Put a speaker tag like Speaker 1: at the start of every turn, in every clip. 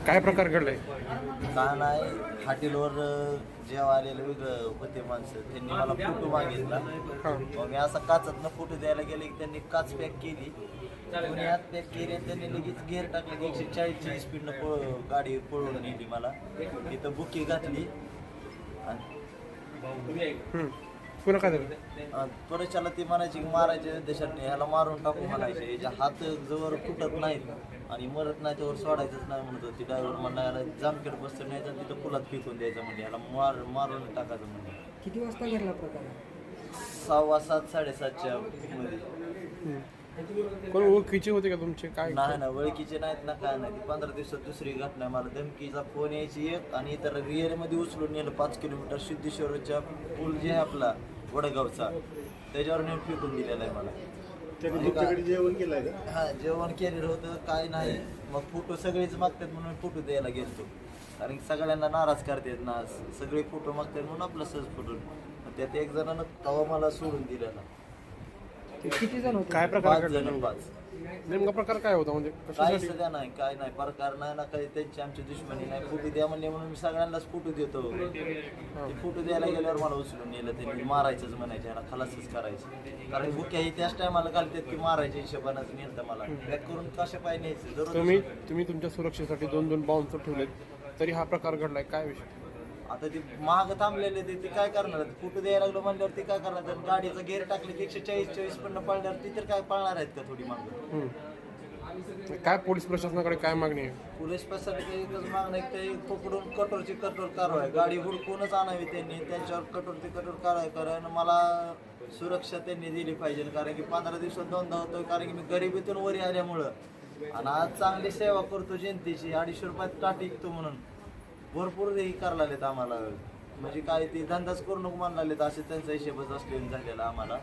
Speaker 1: काय प्रकार घडलाय?
Speaker 2: का नाही हॉटेलवर जेव्हा आलेलं वेगळं होते माणसं त्यांनी मला फोटो मागितला. मग मी असा काचातनं फोटो द्यायला गेले की त्यांनी काच पॅक केली, कोणी हात पॅक केली आणि त्यांनी लगेच गेअर टाकले की 140ची स्पीडनं गाडी पळवून नेली. मला तिथं बुकी घातली आणि
Speaker 1: पुन्हा काय झालं?
Speaker 2: त्वरेच्याला ती म्हणायची की मारायचे देशाने ह्याला मारून टाकू म्हणायचे, याच्या हात जवळ फुटत नाहीत आणि मरत नाही त्यावर सोडायचंच नाही म्हणत होती. ड्रायव्हर म्हणला याला जामखेड बसतं न्यायचं तिथं पुलात फेकून द्यायचं म्हणजे याला मारून टाकायचं म्हणजे.
Speaker 3: किती वाजता घडला प्रकार?
Speaker 2: 6:15 7:30च्या मध्ये.
Speaker 1: कोण ओळखीचे होते का तुमचे? काय
Speaker 2: नाही ना ओळखीचे नाहीत ना काय नाही. 15 दिवसात दुसरी घटना. मला धमकीचा फोन यायची एक आणि इतर रिअरमध्ये उचलून नेलं 5 किलोमीटर सिद्धेश्वरच्या पूल जे आहे आपला वडगावचा त्याच्यावर नेऊन फेकून दिलेला आहे मला.
Speaker 4: जेवण केलंय का?
Speaker 2: हा जेवण केलेलं होतं काय नाही. मग फोटो सगळेच मागतात म्हणून फोटो द्यायला गेलतो, कारण की सगळ्यांना नाराज करतात ना, सगळे फोटो मागतात म्हणून आपला सहज फोटो. त्यात एक जणांना तवा मला सोडून दिलेला.
Speaker 3: किती जण होते?
Speaker 1: काय प्रकार
Speaker 2: 5
Speaker 1: घडला?
Speaker 2: जण 5.
Speaker 1: नेमका प्रकार काय होता म्हणजे
Speaker 2: काही
Speaker 1: कशासाठी?
Speaker 2: सध्या नाही, काय नाही प्रकार नाही ना काही. त्यांची आमची दुश्मनी नाही. फोटो द्या म्हणले म्हणून मी सगळ्यांनाच फोटो देतो. ते फोटो द्यायला गेल्यावर मला उचलून नेलं. त्यांनी मारायचंच म्हणायचे, याला खलासच करायचं. कारण बुक्या ही त्याच टायमाला घालतात की मारायच्या हिशोबानंच नेलं मला. बॅक करून कशा पाय न्यायचं जरूर.
Speaker 1: तुम्ही तुमच्या सुरक्षेसाठी 2 बाउन्सर ठेवलेत, तरी हा प्रकार घडलाय. काय विषय?
Speaker 2: आता ते महाग थांबलेले ते काय करणार? फोटो द्यायला लागलो म्हणल्यावर ते काय करणार? तर गाडीचं गेअर टाकले की 140 पण पळल्यावर ती तर काय पळणार आहेत का थोडी मागं?
Speaker 1: काय पोलीस प्रशासनाकडे काय मागणी आहे?
Speaker 2: पोलीस प्रशासनाची एकच मागणं आहे की ते पकडून कठोरची कठोर कारवाई, गाडी हुडकूनच आणावी त्यांनी, त्यांच्यावर कठोरची कठोर कारवाई कारण मला सुरक्षा त्यांनी दिली पाहिजे. कारण की 15 दिवसात 2दा होतोय, कारण की मी गरिबीतून वरी आल्यामुळं आणि आज चांगली सेवा करतो जनतेची. 250 रुपयात टाटी विकतो म्हणून भरपूर हे करायला लागलेत आम्हाला. म्हणजे काय ते धंदाच करू नको म्हणायला लागलेत, असे त्यांचा हिशेबच असलेला झालेला आम्हाला.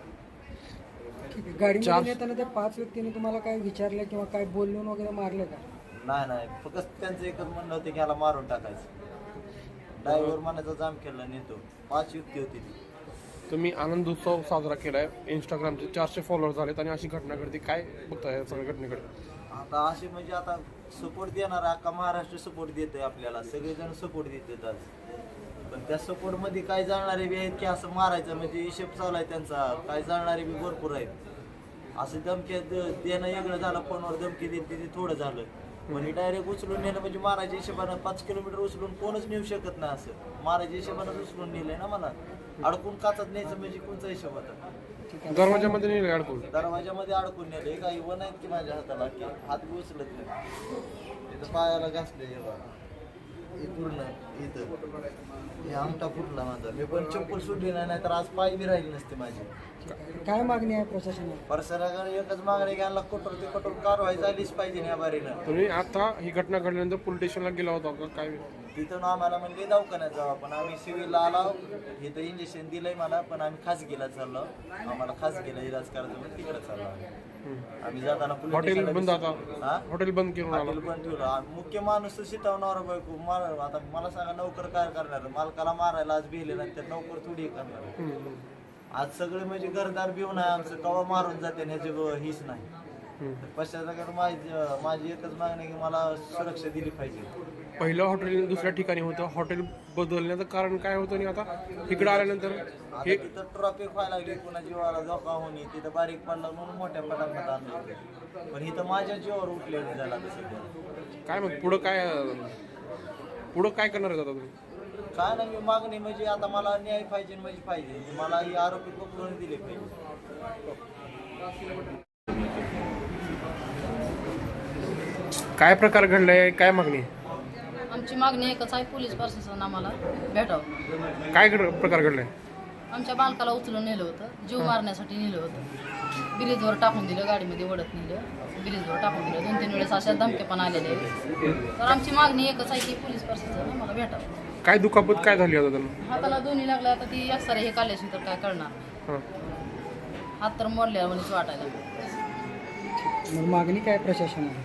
Speaker 3: गाडीमध्ये येताना त्या 5 व्यक्तींनी तुम्हाला काय विचारलं किंवा काय बोलून वगैरे मारले का?
Speaker 2: नाही फक्त त्यांचं एकच म्हणणं होतं की ह्याला मारून टाकायचं. ड्रायव्हर म्हणायचा जाम केला नेतो. 5 व्यक्ती होती ती.
Speaker 1: तुम्ही आनंद उत्सव साजरा केलाय, इंस्टाग्रामचे 400 फॉलोअर झालेत आणि अशी घटना घडते. काय बघताय या सगळ्या घटनेकडे?
Speaker 2: आता असे म्हणजे आता सपोर्ट देणार अख्खा महाराष्ट्र सपोर्ट देतोय आपल्याला, सगळेजण सपोर्ट देतात आज. पण त्या सपोर्टमध्ये काय जाणारे बी आहेत की असं मारायचं म्हणजे हिशेब चालू आहे त्यांचा. काय जाणारे बी भरपूर आहेत. असं धमकी देणं वेगळं झालं, फोनवर धमकी देते ते थोडं झालं. म्हणजे डायरेक्ट उचलून नेलं म्हणजे मारायच्या हिशोबानं 5 किलोमीटर उचलून कोणच नेऊ शकत नाही. असं मारायच्या हिशोबानं उचलून नेलंय ना मला. अडकून काचात न्यायचं म्हणजे कोणचा हिशोब होता?
Speaker 1: दरवाजामध्ये नाही अडकून?
Speaker 2: दरवाजामध्ये अडकून नेले. काही वन आहेत की माझ्या हाताला की हात बी उचलत नाही. इथं पायाला घासले हे पूर्ण इथं हे अंगठा फुटला माझा. मी पण चप्पल सुटली नाही तर आज पाय बी राहिली नसते माझी.
Speaker 3: काय मागणी आहे प्रशासनाला?
Speaker 2: प्रशासनाकडे एकच मागणी घ्यायला कठोर ते कठोर कारवाई झालीच पाहिजे या बारीनं.
Speaker 1: तुम्ही आता ही घटना घडल्यानंतर पोलीस स्टेशनला गेला होता का? काय?
Speaker 2: तिथून आम्हाला म्हणजे दवाखान्यात जाऊ, पण आम्ही सिव्हिलला आलो. इथं इंजेक्शन दिलंय मला, पण आम्ही खासगीला चाललो. आम्हाला खासगीला इलाज करायचं म्हणून तिकडे चाललो आम्ही. जाताना
Speaker 1: हॉटेल बंद आता?
Speaker 2: हा
Speaker 1: हॉटेल बंद करून आला?
Speaker 2: हॉटेल पण ठेवलं. मुख्य माणूस शिटवणार बायको मार. आता मला सांगा नोकर काय करणार? मालकाला मारायला आज भिले नाही तर नोकर थोडी करणार. आज सगळे म्हणजे घरदार भिवून आहे आमचं, कवा मारून जाते ह्याची हीच नाही. पश्चात माझी एकच मागणी की मला सुरक्षा दिली पाहिजे.
Speaker 1: पहिलं हॉटेल दुसऱ्या ठिकाणी होतं, हॉटेल बदलण्याचं कारण काय होतं आणि आता इकडे आल्यानंतर
Speaker 2: हे तिथं ट्रॉफिक व्हायला लागली, पुन्हा जीवाला धोका होणे, तिथं बारीक पडला म्हणून मोठ्या पटापट आणलं. पण इथं माझ्या जीवावर उठलेलं झालं आता सध्या.
Speaker 1: काय मग पुढं काय करणार आहे आता तुम्ही?
Speaker 2: काय नाही मी मागणी म्हणजे आता मला न्याय पाहिजे म्हणजे पाहिजे. मला ही आरोपी पकडून दिले पाहिजे.
Speaker 1: काय प्रकार घडलाय? काय मागणी?
Speaker 5: आमची मागणी एकच आहे, पोलीस प्रशासन आम्हाला भेटावं.
Speaker 1: काय प्रकार घडलाय?
Speaker 5: आमच्या बालकाला उचलून नेलं होतं, जीव मारण्यासाठी नेलं होतं. ब्रिजवर टाकून दिलं, गाडीमध्ये ओढत नेलं, ब्रिजवर टाकून दिलं. 2-3 वेळेस अशा धमके पण आलेले. तर आमची मागणी एकच आहे की पोलीस प्रशासन आम्हाला भेटावं.
Speaker 1: काय दुखापत काय झाली आता त्यांना?
Speaker 5: हाताला दोन्ही लागल्या. आता ती एक्सरे हे काढल्याशी तर काय करणार? हात तर मोडल्या म्हणून वाटायला.
Speaker 3: मग मागणी काय प्रशासनाला?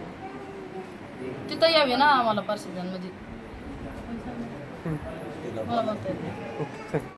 Speaker 5: तिथं यावे ना आम्हाला प्रशासन म्हणजे मला म्हणता येत नाही.
Speaker 1: ओके.